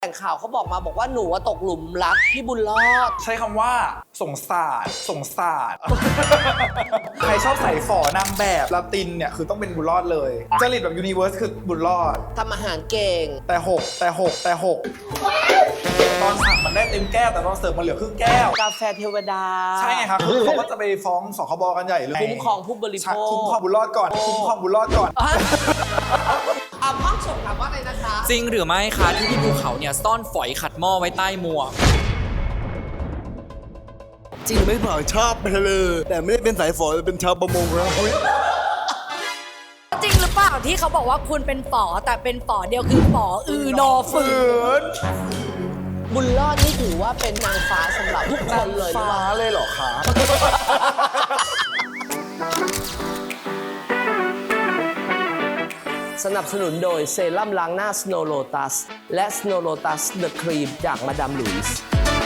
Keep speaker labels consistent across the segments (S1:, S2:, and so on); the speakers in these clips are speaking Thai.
S1: แต่งข่าวเขาบอกมาบอกว่าหนูตกหลุมรักพี่บุญรอด
S2: ใช้คำว่าสงสารใครชอบใส่ฝอนางแบบลาตินเนี่ยคือต้องเป็นบุญรอดเลยจริตแบบยูนิเวิร์สคือบุญรอด
S1: ทำอาหารเก่ง
S2: แต่หกตอนสั่งมันได้เต็มแก้วแต่ตอนเสิร์ฟมันเหลือครึ่งแก้ว
S1: กาแฟเทวดา
S2: ใช่ไงครับคือเขาก็จะไปฟ้องสคบกันใหญ่เลย
S1: คุ้มครองผู้บริโภค
S2: คุ้มครองบุญรอดก่อน
S1: ห้องส่งถามว่าอะไรนะคะ
S3: จริงหรือไม่คะที่พี่ภูเขาเนี่ยซ่อนฝอยขัดหม้อไว้ใต้หมวก
S4: จริงไม่เปล่าชอบไปเลยแต่ไม่ได้เป็นสายฝอเป็นชาวประมงครับ
S5: จริงหรือเปล่าที่เขาบอกว่าคุณเป็นฝอแต่เป็นฝอเดียวคือฝอนอฝืน
S1: บุญรอดนี่ถือว่าเป็นนางฟ้าสำหรับทุกคนเลย
S2: ฟ้าเลยเหรอคะ
S1: สนับสนุนโดยเซรั่มล้างหน้า Snow Lotus และ Snow Lotus The Cream จากมาดามหลุยส์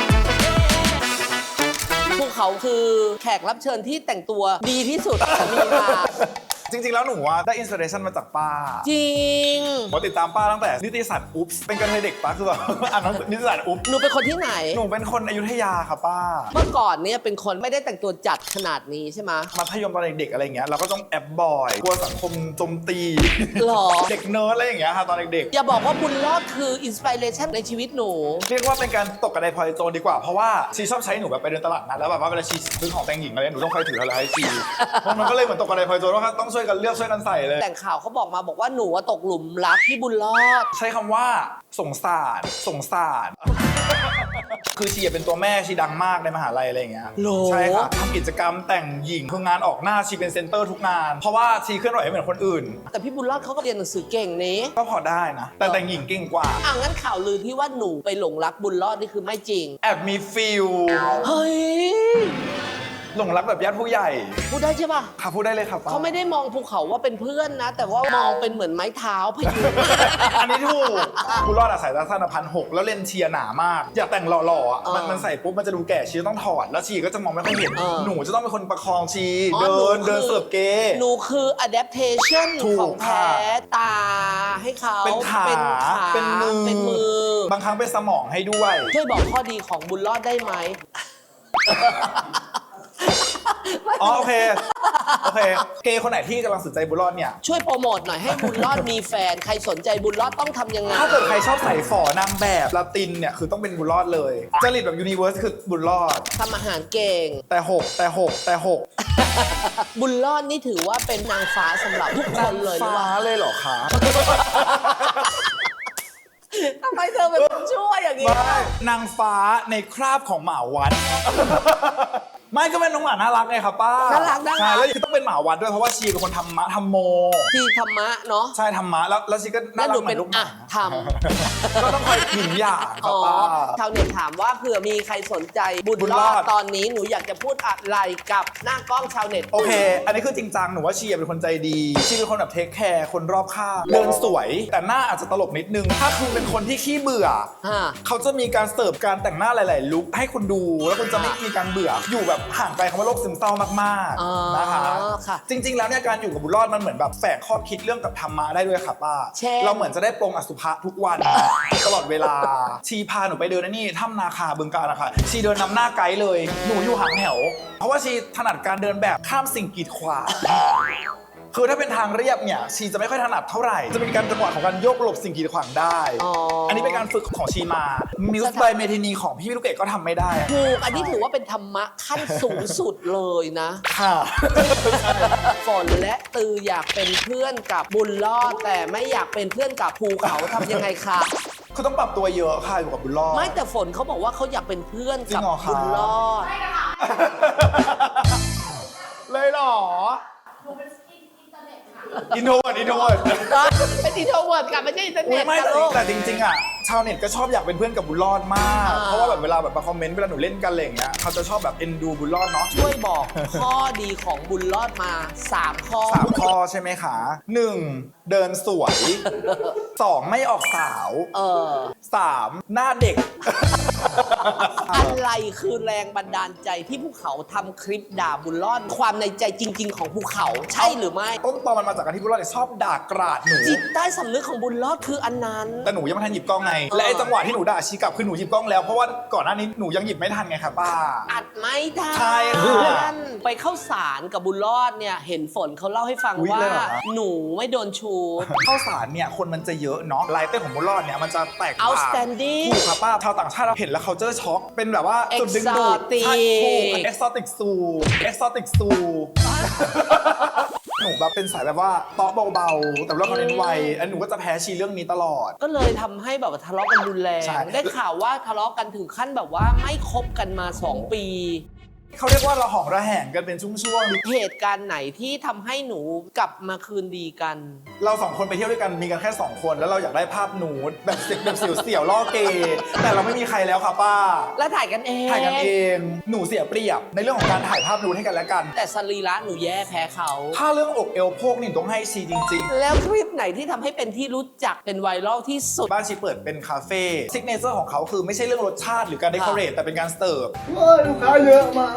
S1: พวกเขาคือแขกรับเชิญที่แต่งตัวดีที่สุดมีมา
S2: จริงๆแล้วหนูว่าได้อินสปิเรชันมาจากป้า
S1: จริง
S2: ผมติดตามป้าตั้งแต่นิตยสารอุ๊บเป็นกระเทยเด็กป้าคือแบบอ่านนิตยสารอุ๊บ
S1: หนูเป็นคนที่ไหน
S2: หนูเป็นคนอยุธยาค่ะป้า
S1: เมื่อก่อนเนี่ยเป็นคนไม่ได้แต่งตัวจัดขนาดนี้ใช่ไหม
S2: มัธยมตอนเด็กๆอะไรเงี้ยเราก็ต้องแอบบ่อยกลัวสังคมโจมตี
S1: หรอ
S2: เด็กเนิร์ดอะไรอย่างเงี้ยค่ะตอนเด็ก
S1: ๆอย่าบอกว่าบุญรอดคืออินสปิเรชันในชีวิตหนู
S2: เรียกว่าเป็นการตกกระไดพลอยโจรดีกว่าเพราะว่าชีชอบใช้หนูแบบไปเดินตลาดนัดแล้วแบบว่าเวลาชีซื้อของแต่งหญิงอะไรหนูต้องคอยถืออะไรให้ชีมันก็เลยเหมือนตกกระไดพลอยโจรว่าต้องช่วยกันเลือกช่วยกันใส่
S1: แต่งข่าวเขาบอกมาบอกว่าหนูตกหลุมรักพี่บุญรอด
S2: ใช้คำว่าสงสารคือชีเป็นตัวแม่ชีดังมากในมหาลัยอะไรอย่างเงี้ยใช่ค่ะทำกิจกรรมแต่งหญิงคืองานออกหน้าชีเป็นเซนเตอร์ทุกงานเพราะว่าชีเคลื่อนไหวไม่เหมือนคนอื่น
S1: แต่พี่บุญรอดเขาก็เรียนหนังสือเก่งนี้
S2: ก็พอได้นะแต่แต่งหญิงเก่งกว่า
S1: งั้นข่าวลือที่ว่าหนูไปหลงรักบุญรอดนี่คือไม่จริง
S2: แอบมีฟิล
S1: เฮ้ย
S2: หลงรักแบบญาติผู้ใหญ่
S1: พูดได้ใช่ป่ะ
S2: ค่ะพูดได้เลยครับ
S1: เขาไม่ได้มองภูเขาว่าเป็นเพื่อนนะแต่ว่ามองเป็นเหมือนไม้เท้าพยุง
S2: อันนี้ถูกบุญรอดสายตาสั้น1,600แล้วเลนเชียร์หนามากอยากแต่งหล่อๆมันใส่ปุ๊บมันจะดูแก่ชีต้องถอดแล้วชีก็จะมองไม่ค่อยเห็นหนูจะต้องเป็นคนประคองชีเดินเสิร์ฟเกย์
S1: หนูคือ adaptation ของแท้ตาให้เขา
S2: เป็นขาเป็นมือบางครั้งเป็นสมองให้ด้วย
S1: ช่วยบอกข้อดีของบุญรอดได้ไหม
S2: โอเคเกย์คนไหนที่กำลังสนใจบุญรอดเนี่ย
S1: ช่วยโปรโมทหน่อยให้บุญรอดมีแฟนใครสนใจบุญรอดต้องทำยังไง
S2: ถ้าเกิดใครชอบใส่ฝอนางแบบลาตินเนี่ยคือต้องเป็นบุญรอดเลยจริตแบบยูนิเวิร์สคือบุญรอด
S1: ทำอาหารเก่ง
S2: แต่หก
S1: บุญรอดนี่ถือว่าเป็นนางฟ้าสำหรับทุกคนเลย
S2: ฟ้าเลยเหรอคะ
S1: ทำไมเธอเป็นคนชั่วอย่างนี้
S2: นางฟ้าในคราบของหมาวัดไม่ก็เป็นน้องหมาน่ารักไงครับป้า
S1: น่ารัก
S2: ใช่แล้วคือต้องเป็นหมาวัดด้วยเพราะว่าชีเป็นคนธรรมโม
S1: ชีธรรมะเนาะ
S2: ใช่ธรรมะแล้วชีก็น่ารักเหมือนลูกหมา
S1: ทำ
S2: ก็ต้องคอยหยินหยางครับป้า
S1: ชาวเน็ตถามว่าเผื่อมีใครสนใจบุญรอดตอนนี้หนูอยากจะพูดอะไรกับหน้ากล้องชาวเน็ต
S2: โอเคอันนี้คือจริงจังหนูว่าชีเป็นคนใจดีชีเป็นคนแบบเทคแคร์คนรอบข้างเดินสวยแต่หน้าอาจจะตลกนิดนึงถ้าคุณเป็นคนที่ขี้เบื่อเขาจะมีการเสิร์ฟการแต่งหน้าหลายๆลุคให้คุณดูแล้วคุณจะไม่มีการเบื่ออยู่แบบห่างไกลคำว่าโรคซึมเศร้ามากๆนะคะจริงๆแล้วเนี่ยการอยู่กับบุญรอดมันเหมือนแบบแฝงข้อคิดเรื่องกับธรรมะได้ด้วยค่ะป้าเราเหมือนจะได้ปรงอสุภะทุกวันตลอดเวลาชีพาหนูไปเดินนี่ถ้ำนาคาบึงกาฬนะคะชีเดินนำหน้าไกด์เลยหนูอยู่ห่างแถวเพราะว่าชีถนัดการเดินแบบข้ามสิ่งกีดขวางคือถ้าเป็นทางเรียบเนี่ยชีจะไม่ค่อยถนัดเท่าไหร่จะเป็นการจังหวะของการโยกหลบสิ่งกีดขวางได้อันนี้เป็นการฝึกของชีมามิวส์บายเมทินีของพี่ลูกเกดก็ทำไม่ได้
S1: ถูกอันนี้ถือว่าเป็นธรรมะขั้นสูงสุดเลยนะ
S2: ค่ะ
S1: ฝนและตืออยากเป็นเพื่อนกับบุญรอดแต่ไม่อยากเป็นเพื่อนกับภูเขาทำยังไงคะ
S2: คือต้องปรับตัวเยอะค่ะอยู่กับบุญรอด
S1: ไม่แต่ฝนเขาบอกว่าเขาอยากเป็นเพื่อนกับบุญรอด
S2: เลยหรออินโทรเวิร์ดเป็นอินโทรเวิร์
S1: ดค่ะไม่ใช่อินเทอร์เน็ต
S2: ไม่แต่จริงๆอ่ะชาวเน็ตก็ชอบอยากเป็นเพื่อนกับบุญรอดมากเพราะว่าแบบเวลาแบบมาคอมเมนต์เวลาหนูเล่นกันอะไรอย่างเงี้ยเขาจะชอบแบบเอ็นดูบุญรอดเนาะ
S1: ช่วยบอกข้อดีของบุญรอดมา3 ข้อ
S2: ใช่ไหมคะ1 เดินสวย 2 ไม่ออกสาว 3 หน้าเด็ก
S1: อะไรคือแรงบันดาลใจที่ภูเขาทำคลิปด่าบุญรอดความในใจจริง ๆ ของภูเขาใช่หรือไม่
S2: ต้นตอมันมาจากการที่บุญรอดเนี่ยชอบด่ากราดหนู
S1: จิตใต้สำนึกของบุญรอดคืออันนั้น
S2: แต่หนูยังไม่ทันหยิบกล้องไง และไอ้จังหวะที่หนูด่าชี้กลับคือหนูหยิบกล้องแล้วเพราะว่าก่อนหน้านี้หนูยังหยิบไม่ทันไงครับป้า
S1: อัดไม่ได้
S2: ใช่ค่ะ
S1: ไปเข้าสารกับบุญรอดเนี่ยเห็นฝนเขาเล่าให้ฟัง
S2: อุ๊ย
S1: ว่า
S2: เลยเหรอ
S1: หนูไม่โดนชูด
S2: เข้าสารเนี่ยคนมันจะเยอะเนาะลายเต้นของบุญรอดเนี่ยมันจะแตกต่าง
S1: Outstanding
S2: ถูกครับป้าชาวต่างชาติเราเห็นแล้วเขาเจอช็อกเป็นแบบว่าจุดดึงดูด
S1: Exotic
S2: ใช่ถูก exotic zoo exotic zoo หนูแบบเป็นสายแบบว่าเตาะเบาๆ แต่ว่าเขาเน้นไวอันหนูก็จะแพ้ชีเรื่องนี้ตลอด
S1: ก็เลยทำให้แบบว่าทะเลาะกันรุนแรง
S2: ใช่
S1: ได้ข่าวว่าทะเลาะกันถึงขั้นแบบว่าไม่คบกันมา 2 ปี
S2: เขาเรียกว่าระหองระแหงกันเป็นช่วงๆ
S1: เหตุการณ์ไหนที่ทำให้หนูกลับมาคืนดีกัน
S2: เรา2 คนไปเที่ยวด้วยกันมีกันแค่ 2 คนแล้วเราอยากได้ภาพหนูแบบเสียวๆล่อเกย์แต่เราไม่มีใครแล้วค่ะป้า
S1: แล้วถ่ายกันเอง
S2: ถ่ายกันเองหนูเสียเปรียบในเรื่องของการถ่ายภาพนูดให้กันและกัน
S1: แต่สรีระหนูแย่แพ้เขา
S2: ถ้าเรื่องอกเอวโพกนี่ต้องให้ชีจริง
S1: แล้วคลิปไหนที่ทำให้เป็นที่รู้จักเป็นไวรัลที่สุด
S2: ๆ บ้านชีเปิดเป็นคาเฟ่ซิกเนเจอร์ของเขาคือไม่ใช่เรื่องรสชาติหรือการเดคอเรทแต่เป็นการเสิร์ฟ
S4: ลูกค้าเยอะมาก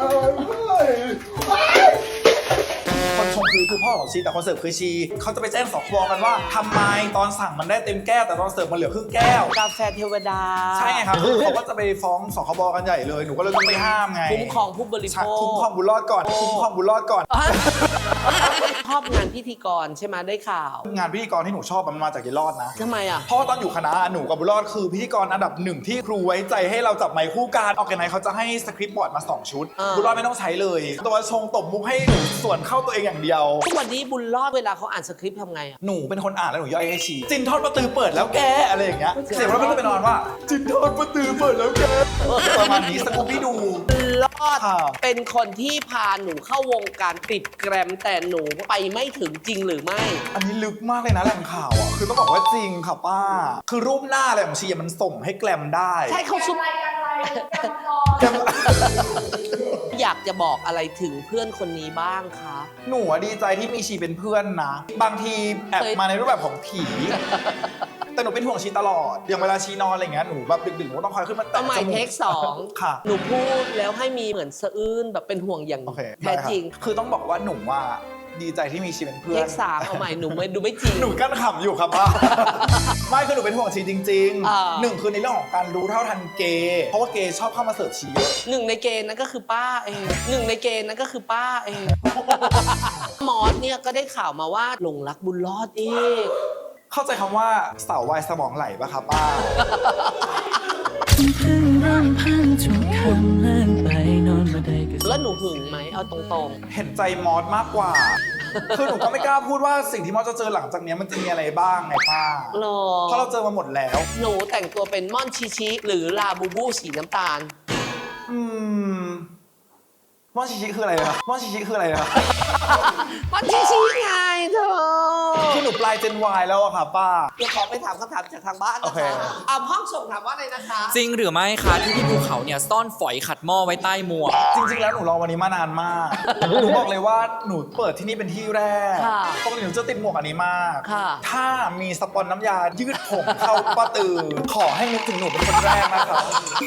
S2: คนชมคือพ่อของชีแต่คนเสิร์ฟคือชีเขาจะไปแจ้งสคบกันว่าทำไมตอนสั่งมันได้เต็มแก้วแต่ตอนเสิร์ฟมันเหลือครึ่งแก้ว
S1: กาแฟเทวดา
S2: ใช่ไงครับคือเขาก็จะไปฟ้องสคบกันใหญ่เลยหนูก็เลยต้องไปห้ามไง
S1: คุ้มครองผู้บริโภค
S2: คุ้มครองบุญรอดก่อนคุ้มครองบุญรอดก่อน
S1: ชอบงานพิธีกรใช่ไหมได้ข่าว
S2: งานพิธีกรที่หนูชอบมันมาจากยายรอดนะ
S1: ทำไมอ่ะ
S2: เพราะว่าตอนอยู่คณะหนูกับบุญรอดคือพิธีกรอันดับ 1ที่ครูไว้ใจให้เราจับไมค์คู่กันออกแกไนเขาจะให้สคริปต์บอร์ดมา2 ชุด
S1: อ่า
S2: บุญรอดไม่ต้องใช้เลยตัวชงตบมุกให้หนูส่วนเข้าตัวเองอย่างเดียว
S1: ทุกวันนี้บุญรอดเวลาเขาอ่านสคริปต์ทำไงอ่ะ
S2: หนูเป็นคนอ่านแล้วหนูย่อยให้ชีจินทอดประตือเปิดแล้วแกอะไรอย่างเงี้ยเสียงเราก็จะไปนอนว่าจินทอดประตือเปิดแล้วแกประมาณนี้สกูบี้ดู
S1: รอด
S2: ค่ะ
S1: เป็นคนที่พาหนูเข้าวงการติดแกรมแต่หนูไปไม่ถึงจริงหรือไม่
S2: อันนี้ลึกมากเลยนะแหล่งข่าวอ่ะคือต้องบอกว่าจริงค่ะป้า คือรูปหน้าอะไรของชีมันส่งให้แกลมได้
S1: ใช่เขาซุป
S2: แกลม
S1: อยากจะบอกอะไรถึงเพื่อนคนนี้บ้างคะ
S2: หนูอะดีใจที่มีชีเป็นเพื่อนนะ บางทีแอบ
S1: เคย
S2: มาในรูปแบบของผี แต่หนูเป็นห่วงชีตลอด อย่างเวลาชีนอนอะไรเงี้ยหนูแบบดึกๆหนูก็ต้องคอยขึ้นมา
S1: ต้
S2: แตะ
S1: องใหม่
S2: จมูก
S1: เทค
S2: ค่ะ
S1: 2หนูพูดแล้วให้มีเหมือนสะอื้นแบบเป็นห่วงอย่าง
S2: โอเค
S1: แท้จริง
S2: ได้คบคือต้องบอกว่าหนูว่าดีใจที่มีชีเป็นเพื่
S1: เท
S2: อน
S1: ค3เอาใหม่หนูไม่ดูไม่จริง
S2: หนูกั้นขำอยู่ครับป้า ไม่คือหนูเป็นห่วงชีจริง
S1: อ่า
S2: ๆ 1คือในเรื่องของการรู้เท่าทันเกย์เพราะว่าเกย์ชอบเข้ามาเสิร์ฟชีเยอะ
S1: หนึ่งในเกณฑ์นั้นก็คือป้าเองหนึ่งในเกณฑ์นั้นก็คือป้าเอง มอสเนี่ยก็ได้ข่าวมาว่าหลงรักบุญรอดอีก
S2: เข้าใจคำว่าเสาวายสมองไหลปะครับป้า
S6: เพิ่งรำพันทุกคำเลื่อนไปนอนมาได้ก็
S1: แล้วหนูหึงไหมเอาตรง
S2: เห็นใจมอสมากกว่า คือหนูก็ไม่กล้าพูดว่าสิ่งที่มอสจะเจอหลังจากเนี้ยมันจะมีอะไรบ้างไงป้า
S1: ๆหรอ
S2: เพราะเราเจอมาหมดแล้ว
S1: หนูแต่งตัวเป็นม่อนชิชิหรือลาบูบูสีน้ำตาล
S2: ม่อนชิชิคืออะไรครับม่อนชิชิคืออะไรครับ
S1: ม่อนชิชิไงเธอ
S2: คือหนูปลายเจน Y แล้วอะค่ะป้า
S1: เดี๋ยวขอไปถามคำถามจากทางบ้าน
S2: โอ
S1: นะ
S2: เค
S1: คะเอาห้องส่งถามว่าอะไรนะคะ
S3: จริงหรือไม่คะที่พี่ภูเขาเนี่ยซ่อนฝอยขัดหม้อไว้ใต้หมวก
S2: จริงๆ แล้วหนูรอวันนี้มานานมาก หนูบอกเลยว่าหนูเปิดที่นี่เป็นที่แรก
S1: ค่ะ
S2: ปกติหนูจะติดหมวกอันนี้มาก
S1: ค่ะ
S2: ถ้ามีสปอนน้ำยายืดผมเข้าป้าตือ ขอให้นึกถึงหนูเป็นคนแรกนะครับ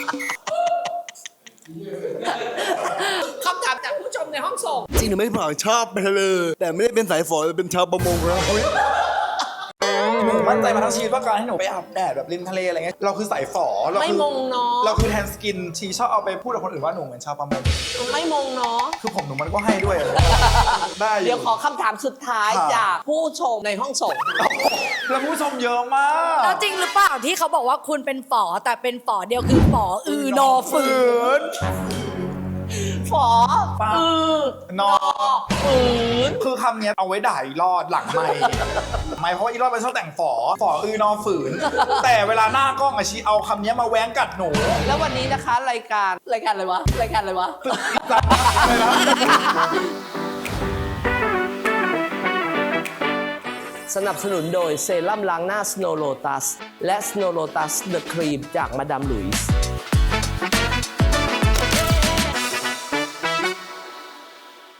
S1: คำถามจากผู้ชมในห้องส่ง
S4: จริงหรือไม่เปล่าชอบไปทะเลแต่ไม่ได้เป็นสายฝอแต่เป็นชาวประมงครับ
S2: หนูมั่นใจมาทั้งชีวิตว่าการให้หนูไปอาบแดดแบบริมทะเลอะไรเงี้ยเราคือสายฝอเรา
S1: ไม่
S2: คือ
S1: มงเนาะ
S2: เราคือแทนสกินชีชอบเอาไปพูดกับคนอื่นว่าหนูเหมือนชาวประมง
S1: ไม่มงเนาะ
S2: คือผมหนูมันก็ให้ด้วยอะได้อยู่
S1: เดี๋ยวขอคำถามสุดท้าย
S2: ค่ะ
S1: จากผู้ชมในห้องส่ง
S2: แล้วผู้ชมเยอะมาก
S5: แล้วจริงหรือเปล่าที่เขาบอกว่าคุณเป็นฝอแต่เป็นฝอเดียวคือฝอนอฝืน
S1: ฝอ
S2: ปะ นอ
S1: ฝืน
S2: คือคำเนี้ยเอาไว้ด่าอีรอดหลังไม่ไม่เพราะว่าอีรอดเป็นชอบแต่งฝอนอฝืน แต่เวลาหน้ากล้องอะชีเอาคำเนี้ยมาแว้งกัดหนู
S1: แล้ววันนี้นะคะรายการอะไรวะรายการอะไรวะ
S2: จัดเลยนะ
S1: สนับสนุนโดยเซรั่มล้างหน้า Snow Lotus และ Snow Lotus The Cream จากมาดามหลุยส์